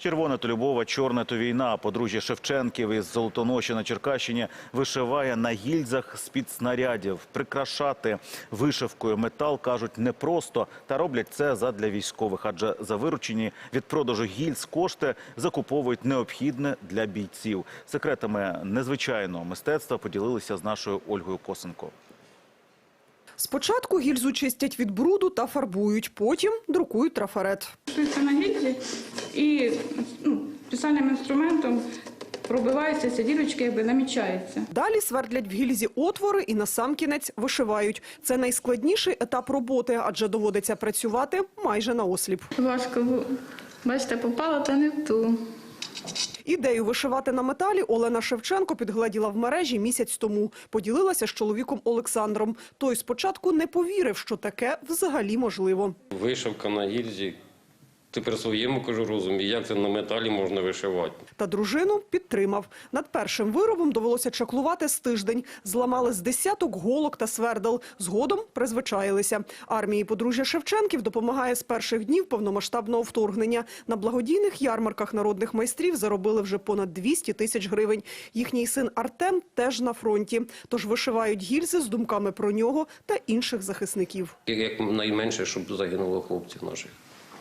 Червоне то любов, чорне то війна. Подружжя Шевченків із Золотоноші на Черкащині вишиває на гільзах з-під снарядів. Прикрашати вишивкою метал, кажуть, непросто. Та роблять це задля військових, адже за виручені від продажу гільз кошти закуповують необхідне для бійців. Секретами незвичайного мистецтва поділилися з нашою Ольгою Косенко. Спочатку гільзу чистять від бруду та фарбують, потім друкують трафарет. Шується на гільзі і спеціальним інструментом пробиваються ці дірочки, якби намічаються. Далі свердлять в гільзі отвори і насамкінець вишивають. Це найскладніший етап роботи, адже доводиться працювати майже наосліп. Важко, бачите, попала та не в ту. Ідею вишивати на металі Олена Шевченко підгледіла в мережі місяць тому. Поділилася з чоловіком Олександром. Той спочатку не повірив, що таке взагалі можливо. Вишивка на гільзі. Ти при своєму, кажу, розумі, як це на металі можна вишивати. Та дружину підтримав. Над першим виробом довелося чаклувати з тиждень. Зламали з десяток голок та свердел. Згодом призвичаїлися. Армії подружжя Шевченків допомагає з перших днів повномасштабного вторгнення. На благодійних ярмарках народних майстрів заробили вже понад 200 тисяч гривень. Їхній син Артем теж на фронті. Тож вишивають гільзи з думками про нього та інших захисників. Як найменше, щоб загинуло хлопців наших.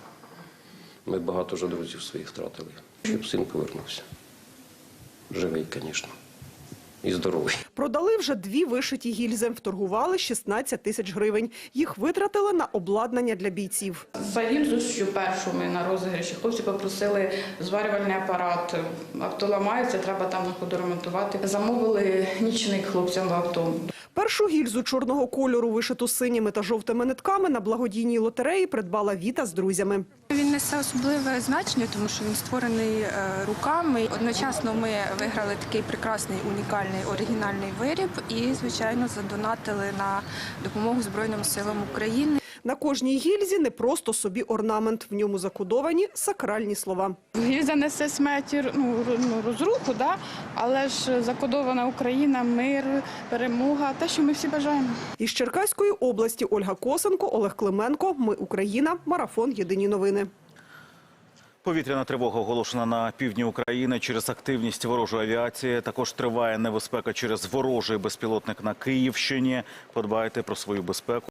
Ми багато вже друзів своїх втратили. Щоб син повернувся. Живий, звісно. І здоровий. Продали вже 2 вишиті гільзи. Вторгували 16 тисяч гривень. Їх витратили на обладнання для бійців. За гільзу, що першу ми на розіграші, хлопці попросили зварювальний апарат. Авто ламається, треба там на ходу ремонтувати. Замовили нічник хлопцям в авто. Першу гільзу чорного кольору, вишиту синіми та жовтими нитками, на благодійній лотереї придбала Віта з друзями. Він несе особливе значення, тому що він створений руками. Одночасно ми виграли такий прекрасний, унікальний, оригінальний виріб і, звичайно, задонатили на допомогу Збройним силам України. На кожній гільзі не просто собі орнамент. В ньому закодовані сакральні слова. Гільза несе смерть, розруху, да? Але ж закодована Україна, мир, перемога, те, що ми всі бажаємо. Із Черкаської області Ольга Косенко, Олег Клименко. Ми Україна. Марафон. Єдині новини. Повітряна тривога оголошена на півдні України через активність ворожої авіації. Також триває небезпека через ворожий безпілотник на Київщині. Подбайте про свою безпеку.